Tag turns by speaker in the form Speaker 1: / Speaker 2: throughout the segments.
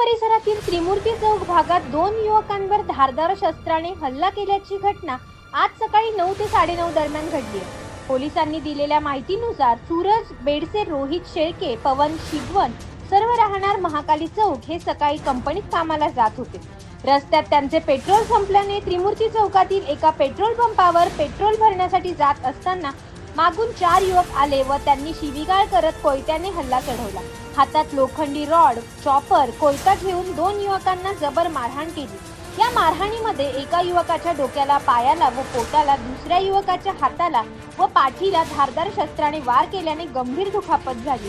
Speaker 1: परिसरातील त्रिमूर्ती चौक भागात दोन युवकांवर धारदार शस्त्राने हल्ला केल्याची घटना आज सकाळी 9 ते 9:30 दरम्यान घडली आहे। पोलिसांनी दिलेल्या माहितीनुसार सूरज बेडसे, रोहित शेळके, पवन शिगवन सर्व राहणार महाकाली चौक हे सकाळी कंपनीत कामाला जात होते। रस्त्यात त्यांचे पेट्रोल संपल्याने त्रिमूर्ती चौकातील एका पेट्रोल पंपावर पेट्रोल भरण्यासाठी जात असताना मागून 4 युवक आले व त्यांनी शिवीगाळ करत कोयत्याने हल्ला चढवला। हातात लोखंडी रॉड, चॉपर, कोयता घेऊन 2 युवकांना जबर मारहाण केली। या मारहाणीमध्ये एका युवकाच्या डोक्याला, पायाला व पोटाला, दुसऱ्या युवकाच्या हाताला व पाठीला धारदार शस्त्राने वार केल्याने गंभीर दुखापत झाली।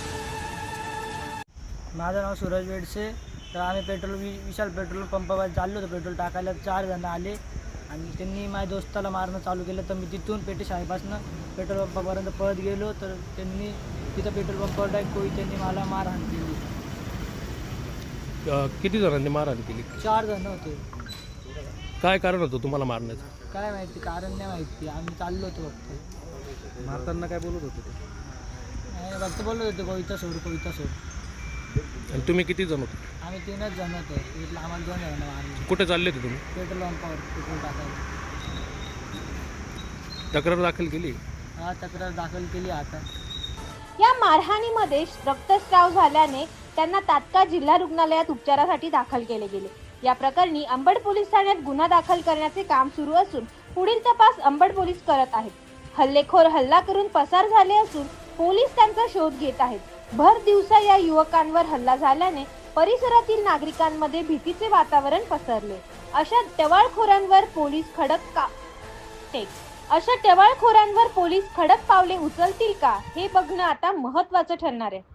Speaker 2: माझं नाव सूरज बेडसे। तर आम्ही विशाल पेट्रोल पंपावर चाललो होतो पेट्रोल टाकायला। 4 जण आले आणि त्यांनी माझ्या दोस्ताला मारणं चालू केलं। तर मी तिथून पेटे शाळेपासून पेट्रोल पंपापर्यंत पळत गेलो तर त्यांनी तिथं पेट्रोल पंपावर त्यांनी मला मारहाण केली।
Speaker 3: किती जणांनी मारहाण केली?
Speaker 2: 4 जण होते।
Speaker 3: काय कारण होतं तुम्हाला मारण्याचं?
Speaker 2: काय माहिती, कारण नाही माहिती। आम्ही चाललो होतो फक्त।
Speaker 3: मारताना काय बोलत होते?
Speaker 2: फक्त बोलत होते कोयता सोड, कोयता सोड।
Speaker 3: आणि तुम्ही किती जण होते?
Speaker 2: आम्ही 3च जण होतो। इथलं आम्हाला 2 जण मारले।
Speaker 3: कुठे चालले होते तुम्ही?
Speaker 2: पेट्रोल पंपावर पेट्रोल टाकायला।
Speaker 3: तक्रार दाखल केली?
Speaker 2: हा, तक्रार दाखल केली आता।
Speaker 1: या मारहाणीमध्ये रक्तस्राव झाल्याने त्यांना तात्काळ जिल्हा रुग्णालयात उपचारासाठी दाखल केले गेले। या प्रकरणी अंबड पोलीस ठाण्यात गुन्हा दाखल करण्याचे काम सुरू असून पुढील तपास अंबड पोलीस करत आहेत। हल्लेखोर हल्ला करून पसार झाले असून पोलीस त्यांचा शोध घेत आहेत। भर दिवसा या युवकांवर हल्ला झाल्याने परिसरातील नागरिकांमध्ये भीतीचे वातावरण पसरले। अशा टवाळखोरांवर पोलीस खडक पावले उचलतील का हे बघणं आता महत्त्वाचं ठरणार आहे।